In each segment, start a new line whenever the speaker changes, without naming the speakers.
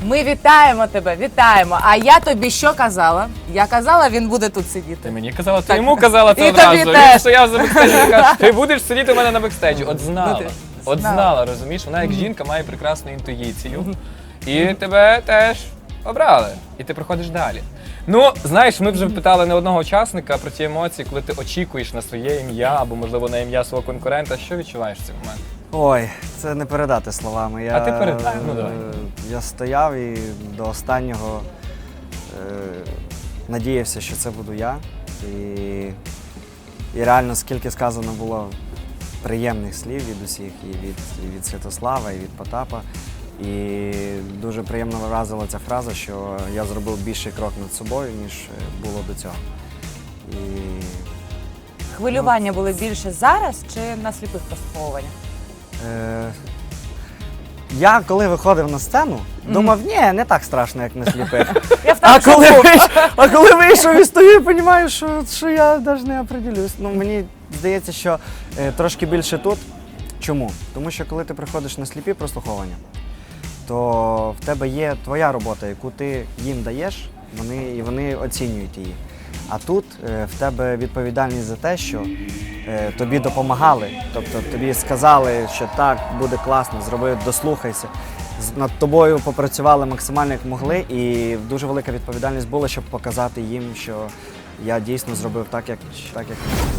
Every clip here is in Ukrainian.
Ми вітаємо тебе, вітаємо. А я тобі що казала? Я казала, він буде тут сидіти.
Ти мені казала, ти йому казала це
І
одразу.
тобі
Він
теж.
стояв за бекстейджем і каже, ти будеш сидіти у мене на бекстейджі. От знала.
Ну,
От знала, розумієш? Вона як жінка має прекрасну інтуїцію. І тебе теж обрали. І ти проходиш далі. Ну, знаєш, ми вже питали не одного учасника про ті емоції, коли ти очікуєш на своє ім'я або, можливо, на ім'я свого конкурента. Що відчуваєш в цей момент?
Ой, це не передати словами.
А ти передай, ну давай.
Я стояв і до останнього надіявся, що це буду я. І реально, скільки сказано було приємних слів від усіх, і від Святослава, і від Потапа. І дуже приємно вразила ця фраза, що я зробив більший крок над собою, ніж було до цього. І...
Хвилювання були більше зараз чи на сліпих прослуховуваннях?
Я, коли виходив на сцену, думав, ні, не так страшно, як на сліпих.
Я в
А коли вийшов і стою, і розумію, що я навіть не определюсь. Ну, мені здається, що трошки більше тут. Чому? Тому що коли ти приходиш на сліпі прослуховування, то в тебе є твоя робота, яку ти їм даєш, і вони оцінюють її. А тут в тебе відповідальність за те, що тобі допомагали, тобто тобі сказали, що так, буде класно, зроби, дослухайся. Над тобою попрацювали максимально як могли, і дуже велика відповідальність була, щоб показати їм, що я дійсно зробив так, як міг.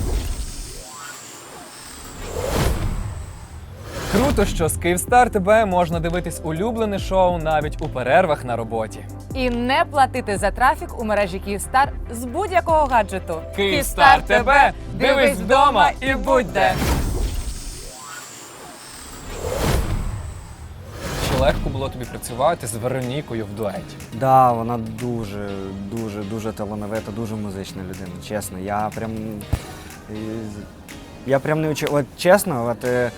Круто, що з Київстар ТБ можна дивитись улюблене шоу навіть у перервах на роботі.
І не платити за трафік у мережі Київстар з будь-якого гаджету.
Київстар ТБ! Дивись вдома і будь де! Чи легко було тобі працювати з Веронікою в дуеті?
Да, вона дуже талановита, дуже музична людина, чесно. Я прям не очікував. От чесно,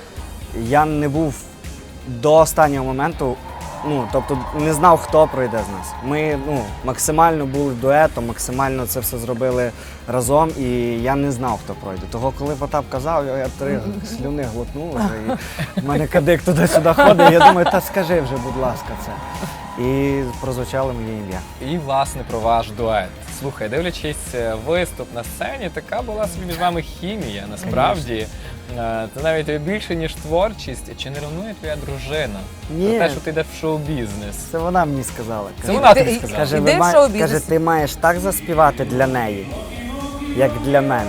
я не був до останнього моменту, тобто не знав, хто пройде з нас. Ми максимально були дуетом, максимально це все зробили разом, і я не знав, хто пройде. Того, коли Потап казав, я 3 слюни глотнув вже, і в мене кадик туди-сюди ходить, я думаю, та скажи вже, будь ласка, це. І прозвучало моє ім'я.
І, власне, про ваш дует. Слухай, дивлячись виступ на сцені, така була собі між вами хімія, насправді. Це навіть більше, ніж творчість. Чи не ревнує твоя дружина?
Ні.
Про те, що ти йдеш в шоу-бізнес.
Це вона мені сказала.
Це вона тобі сказала?
Каже,
Іди в шоу-бізнес.
каже, ти маєш так заспівати для неї, як для мене.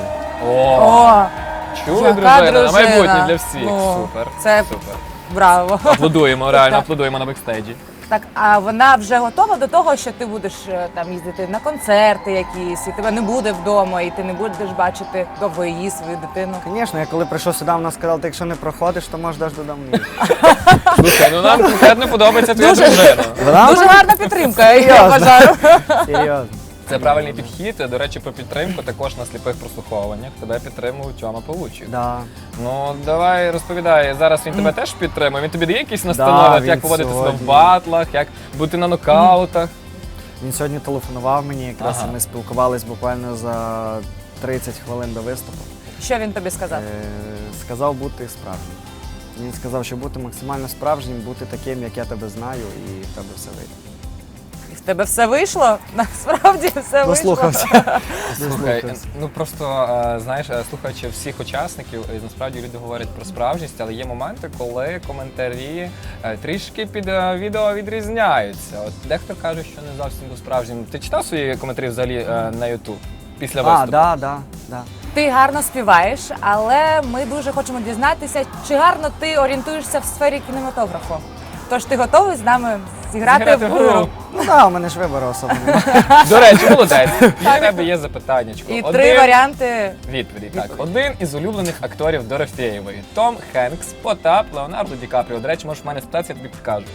О! Чули,
яка
дружина? На майбутнє
дружина.
для всіх.
Ну,
Супер.
це
Супер.
браво.
Аплодуємо, реально
Так.
аплодуємо на бекстейджі.
Так, а вона вже готова до того, що ти будеш там їздити на концерти якісь, і тебе не буде вдома, і ти не будеш бачити довго її, свою дитину.
Звісно, я коли прийшов сюди, вона сказала, ти якщо не проходиш, то можеш аж додому їхати.
Слухай, ну нам конкретно подобається твоя
Дуже.
дружина.
Дуже гарна підтримка, я
Серйозно.
вважаю.
Серйозно.
Це правильний підхід. До речі, про підтримку також на сліпих прослуховуваннях. Тебе підтримує Тьома Павлучик.
Да.
Ну, давай розповідай. Зараз він тебе теж підтримує. Він тобі дає якісь настанови,
він
як поводити себе в
сьогодні.
батлах, як бути на нокаутах.
Він сьогодні телефонував мені, якраз
Ага.
ми спілкувались буквально за 30 хвилин до виступу.
Що він тобі сказав?
Сказав бути справжнім. Він сказав, що бути максимально справжнім, бути таким, як я тебе знаю, і в тебе все вийде.
І в тебе все вийшло? Насправді все вийшло.
Дослухався.
Слухай, ну просто знаєш, слухаючи всіх учасників, насправді люди говорять про справжність, але є моменти, коли коментарі трішки під відео відрізняються. От дехто каже, що не зовсім був справжнім. Ти читав свої коментарі взагалі на YouTube після виступу?
Да.
Ти гарно співаєш, але ми дуже хочемо дізнатися, чи гарно ти орієнтуєшся в сфері кінематографу. Тож ти готовий з нами зіграти в гру?
Ну так, у мене ж вибору особо немає.
До речі, молодець. І в тебе є запитаннячко.
І 3 варіанти.
Відповіді. Так, один із улюблених акторів Дорофєєвої. Том Хенкс, Потап, Леонардо Ді Капріо. До речі, можеш в мене спитатися, я тобі підкажу.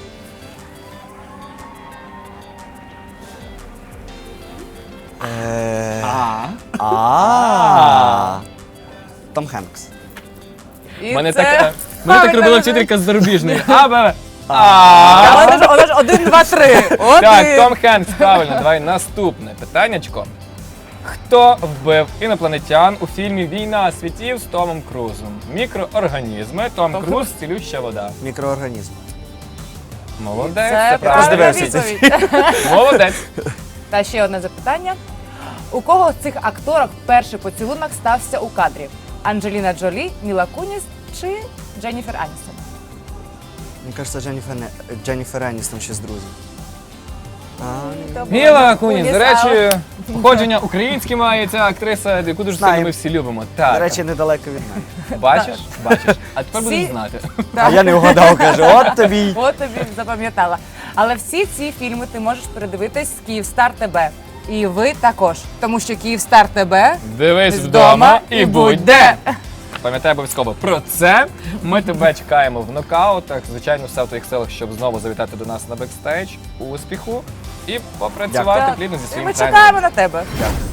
Том Хенкс.
І
Мене
це
так
правильна
робила
відповідь.
вчителька з зарубіжної. А.
Вона ж 1, 2, 3.
Так, Том Хенкс, правильно. Давай наступне питаннячко. Хто вбив інопланетян у фільмі «Війна світів» з Томом Крузом? Мікроорганізми, Том Круз, цілюща вода.
Мікроорганізм.
Молодець,
Це
це
правильна
правда.
роздивився цей
відповідь.
Молодець.
Та ще одне запитання. У кого з цих акторок перший поцілунок стався у кадрі? Анджеліна Джолі, Міла Куніс чи Дженніфер Аністон?
Мені кажеться, Дженніфер Еністон ще з друзів.
То була
Міла Куніс, до
але-
речі, походження українське має ця актриса, яку дуже сильно
Знаємо.
ми всі любимо. Так,
До речі, недалеко від мене.
бачиш? Бачиш. А тепер
Всі-
будеш знати.
А я не вгадав, кажу, от тобі.
От тобі запам'ятала. Але всі ці фільми ти можеш передивитись з Київстар ТБ. І ви також. Тому що Київстар ТБ
Дивись вдома і будь де. Пам'ятай обов'язково про це. Ми тебе чекаємо в нокаутах. Звичайно, все в твоїх силах, щоб знову завітати до нас на бекстейдж. Успіху і попрацювати
Так.
плідно зі
І
своїм
ми
тренером.
чекаємо на тебе.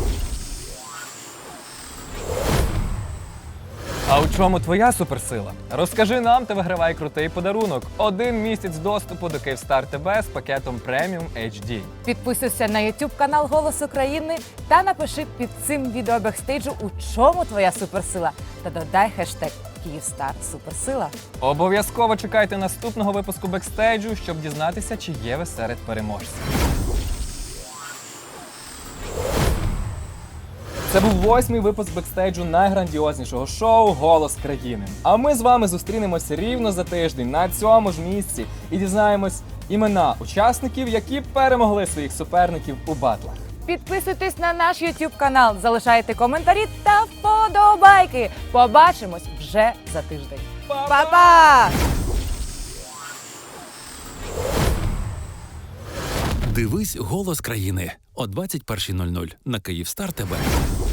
А у чому твоя суперсила? Розкажи нам та вигравай крутий подарунок. 1 місяць доступу до Київстар ТБ з пакетом Premium HD.
Підписуйся на YouTube канал Голос України та напиши під цим відео бекстейджу, у чому твоя суперсила. Та додай хештег Київстар Суперсила.
Обов'язково чекайте наступного випуску бекстейджу, щоб дізнатися, чи є ви серед переможців. Це був 8-й випуск бекстейджу найграндіознішого шоу «Голос країни». А ми з вами зустрінемося рівно за тиждень на цьому ж місці і дізнаємось імена учасників, які перемогли своїх суперників у батлах.
Підписуйтесь на наш YouTube канал, залишайте коментарі та вподобайки. Побачимось вже за тиждень. Па-па!
Дивись «Голос країни» о 21:00 на Київстар ТБ.